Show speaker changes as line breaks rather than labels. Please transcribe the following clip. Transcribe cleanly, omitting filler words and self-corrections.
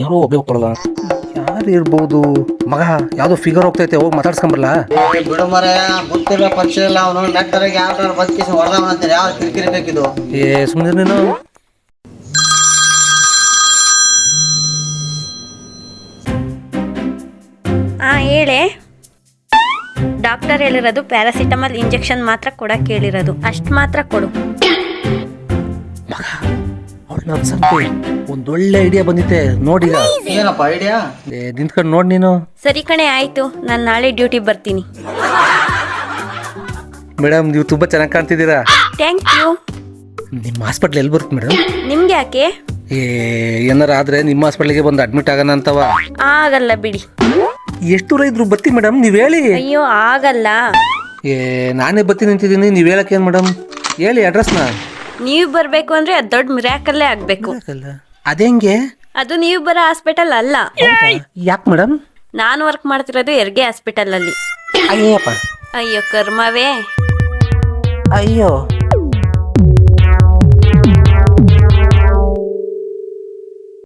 ಯಾರೋ ಒಬ್ಬೇ ಹೋಗ್ತಾರಲ್ಲ, ಯಾರು ಇರ್ಬೋದು? ಮಗ ಯಾವುದೋ ಫಿಗರ್ ಹೋಗ್ತೈತೆ, ಹೋಗಿ ಮಾತಾಡ್ಸ್ಕೊಂಬರಲ್ಲ.
ಬಿಡು ಮರೆ, ಗೊತ್ತಿಲ್ಲ ಪರಿಚಯ ಇಲ್ಲ. ಅವನು ನೆಟ್ಟರಿಗೆ ಯಾವ ಬದುಕಿ ಹೊಡೆದವ ಅಂತಾರೆ. ಯಾವ ಕಿರಿಕಿರಿ ಬೇಕಿದು?
ಸುಮ್ಮನೆ ನೀನು.
ಹೇಳೆ. ಡಾಕ್ಟರ್ ಹೇಳಿರೋದು ಪ್ಯಾರಾಸಿಟಮಾಲ್ ಇಂಜೆಕ್ಷನ್ ಮಾತ್ರ ಕೊಡಕ್ಕೆ ಹೇಳಿರೋದು, ಅಷ್ಟು ಮಾತ್ರ ಕೊಡು.
ಮಗ ಅವಳು ನಮ್ಮ ಸಂತೆ ಒಂದೊಳ್ಳೆ ಐಡಿಯಾ ಬಂದಿತ್ತೆ ನೋಡೀಗ.
ಏನಪ್ಪ ಐಡಿಯಾ?
ನಿಂತ್ಕೊಂಡು ನೋಡಿ ನೀನು.
ಸರಿ ಕಣೆ, ಆಯಿತು. ನಾನು ನಾಳೆ ಡ್ಯೂಟಿ ಬರ್ತೀನಿ.
ಮೇಡಮ್ ನೀವು ತುಂಬ ಚೆನ್ನಾಗಿ ಕಾಣ್ತಿದ್ದೀರಾ.
Thank you.
ನಿಮ್ಮ ಹಾಸ್ಪಿಟ್ಲ್ ಎಲ್ಲಿ ಬರುತ್ತೆ ಮೇಡಮ್?
ನಿಮ್ಗೆ ಯಾಕೆ?
ಏನಾರ ಆದರೆ ನಿಮ್ಮ ಹಾಸ್ಪಿಟ್ಲಿಗೆ ಬಂದು ಅಡ್ಮಿಟ್ ಆಗೋಣ ಅಂತವ.
ಆಗಲ್ಲ ಬಿಡಿ.
ಎಷ್ಟು ದೂರ ಇದ್ರು ಬರ್ತೀನಿ ಮೇಡಮ್, ನೀವು ಹೇಳಿ.
ಅಯ್ಯೋ ಆಗಲ್ಲ.
ನಾನೇ ಬರ್ತೀನಿ ನಿಂತಿದ್ದೀನಿ, ನೀವು ಹೇಳಕ್ಕೆ ಏನು ಮೇಡಮ್? ಹೇಳಿ ಅಡ್ರೆಸ್ನ.
ನೀವು ಬರಬೇಕು ಅಂದರೆ ಅದು ದೊಡ್ಡ ಮಿರಾಕಲ್ಲೇ ಆಗಬೇಕು.
ಅದೇಂಗೆ?
ಅದು ನೀವು ಬರೋ ಹಾಸ್ಪಿಟಲ್ ಅಲ್ಲ.
ಯಾಕೆ ಮೇಡಮ್?
ನಾನು ವರ್ಕ್ ಮಾಡ್ತಿರೋದು ಹೆರಿಗೆ ಹಾಸ್ಪಿಟಲಲ್ಲಿ.
ಅಯ್ಯಪ್ಪ.
ಅಯ್ಯೋ ಕರ್ಮವೇ.
ಅಯ್ಯೋ